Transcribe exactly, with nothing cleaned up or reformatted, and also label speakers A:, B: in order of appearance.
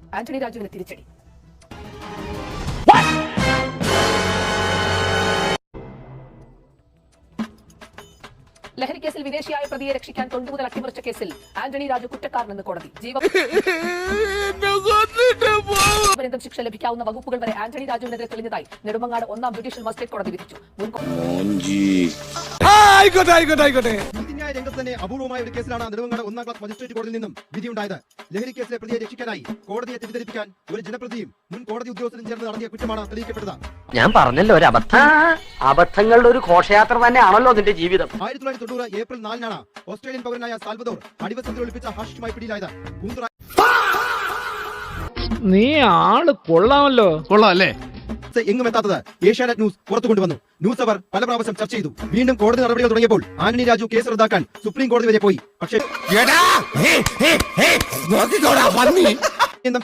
A: ആന്റണി രാജുവിന് തിരിച്ചടി. ലഹരിക്കേസിൽ വിദേശിയായ പ്രതിയെ രക്ഷിക്കാൻ തൊണ്ടുമുതൽ അട്ടിമറിച്ച കേസിൽ ആന്റണി രാജു കുറ്റക്കാരനെന്ന് കോടതി. ജീവപര്യന്തം ശിക്ഷ ലഭിക്കാവുന്ന വകുപ്പുകൾ വരെ ആന്റണി രാജുവിനെതിരെ തെളിഞ്ഞതായി നെടുമങ്ങാട് ഒന്നാം ജുഡീഷ്യൽ മജിസ്ട്രേറ്റ് കോടതി വിധിച്ചു.
B: നീതിന്യായ രംഗത്ത് തന്നെ അപൂർവമായ ഒരു കേസിലാണ് നെടുമങ്ങാട് ഒന്നാം ക്ലാസ് മജിസ്ട്രേറ്റ് കോടതിയിൽ നിന്നും വിധിയുണ്ടായത്. ലഹരി കേസിലെ പ്രതിയെ രക്ഷിക്കാനായി കോടതിയെ തെറ്റിദ്ധരിപ്പിക്കാൻ ഒരു ജനപ്രതിയും മുൻ കോടതി ഉദ്യോഗസ്ഥരും ചേർന്ന് നടത്തിയ കുറ്റമാണ് തെളിയിക്കപ്പെട്ടത്.
C: ഞാൻ പറഞ്ഞല്ലോ ഒരു അബദ്ധം. അബദ്ധങ്ങളുടെ ഒരു ഘോഷയാത്ര തന്നെയാണല്ലോ നിന്റെ ജീവിതം.
B: ആയിരത്തി തൊള്ളായിരത്തി തൊണ്ണൂറ് ഏപ്രിൽ നാലിനാണ് ഓസ്ട്രേലിയൻ പൗരനായ സാൽവദോർ അടിവസ്ത്രത്തിൽ ഒളിപ്പിച്ച ഹാഷിഷുമായി പിടിയിലായത്.
D: നീ ആള് കൊള്ളാമല്ലോ.
E: കൊള്ളാം അല്ലേ?
B: എങ്ങും എത്താത്തത് ഏഷ്യാനെറ്റ് ന്യൂസ് പുറത്തു കൊണ്ടുവന്നു. ന്യൂസ് അവർ പല പ്രാവശ്യം ചർച്ച ചെയ്തു. വീണ്ടും കോടതി നടപടികൾ തുടങ്ങിയപ്പോൾ ആന്റണി രാജു കേസ് റദ്ദാക്കാൻ സുപ്രീം കോടതി വരെ പോയി. പക്ഷേ